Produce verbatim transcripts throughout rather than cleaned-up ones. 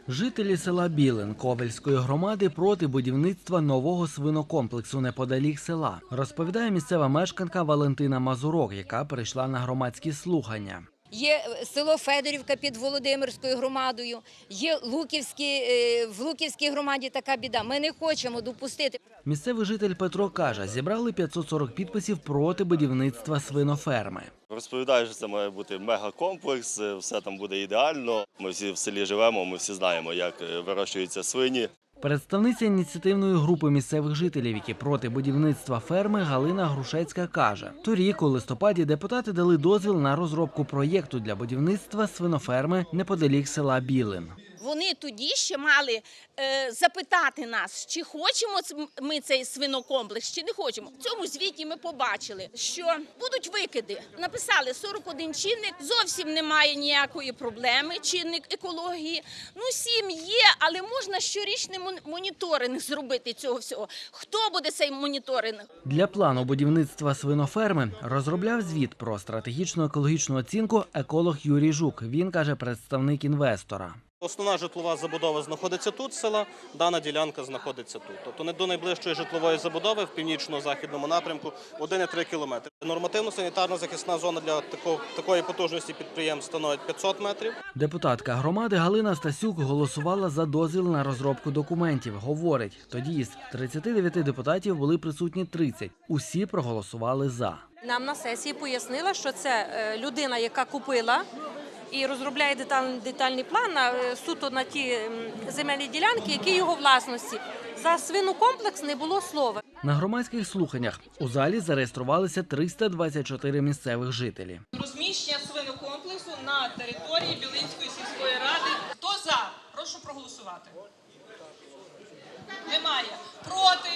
Жителі села Білин Ковельської громади проти будівництва нового свинокомплексу неподалік села, розповідає місцева мешканка Валентина Мазурок, яка прийшла на громадські слухання. Є село Федорівка під Володимирською громадою, є Луківські, в Луківській громаді така біда. Ми не хочемо допустити. Місцевий житель Петро каже, зібрали п'ятсот сорок підписів проти будівництва свиноферми. Розповідаю, що це має бути мегакомплекс, все там буде ідеально. Ми всі в селі живемо, ми всі знаємо, як вирощуються свині. Представниця ініціативної групи місцевих жителів, які проти будівництва ферми, Галина Грушецька каже, торік у листопаді депутати дали дозвіл на розробку проєкту для будівництва свиноферми неподалік села Білин. Вони тоді ще мали е, запитати нас, чи хочемо ми цей свинокомплекс, чи не хочемо. В цьому звіті ми побачили, що будуть викиди. Написали сорок один чинник, зовсім немає ніякої проблеми, чинник екології. Ну, сім є, але можна щорічний моніторинг зробити цього всього. Хто буде цей моніторинг? Для плану будівництва свиноферми розробляв звіт про стратегічну екологічну оцінку еколог Юрій Жук. Він, каже, представник інвестора. Основна житлова забудова знаходиться тут села, дана ділянка знаходиться тут. Тобто не до найближчої житлової забудови в північно-західному напрямку один цілих три кілометри. Нормативно-санітарна захисна зона для такого, такої потужності підприємств становить п'ятсот метрів. Депутатка громади Галина Стасюк голосувала за дозвіл на розробку документів. Говорить, тоді із тридцяти дев'яти депутатів були присутні тридцять. Усі проголосували за. Нам на сесії пояснила, що це людина, яка купила і розробляє детальний, детальний план на, суто на ті земельні ділянки, які його власності. За свинокомплекс не було слова. На громадських слуханнях у залі зареєструвалися триста двадцять чотири місцевих жителі. Розміщення свинокомплексу на території Білинської сільської ради. Хто за? Прошу проголосувати. Немає. Проти?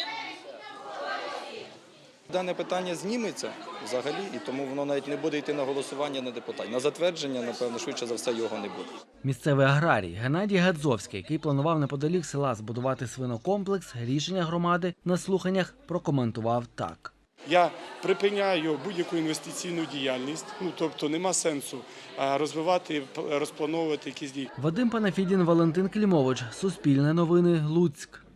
Дане питання зніметься взагалі, і тому воно навіть не буде йти на голосування на депутатів. На затвердження, напевно, швидше за все, його не буде. Місцевий аграрій Геннадій Гадзовський, який планував неподалік села збудувати свинокомплекс, рішення громади на слуханнях прокоментував так. Я припиняю будь-яку інвестиційну діяльність, ну тобто нема сенсу розвивати, розплановувати якісь дії. Вадим Панафідін, Валентин Клімович, Суспільне новини, Луцьк.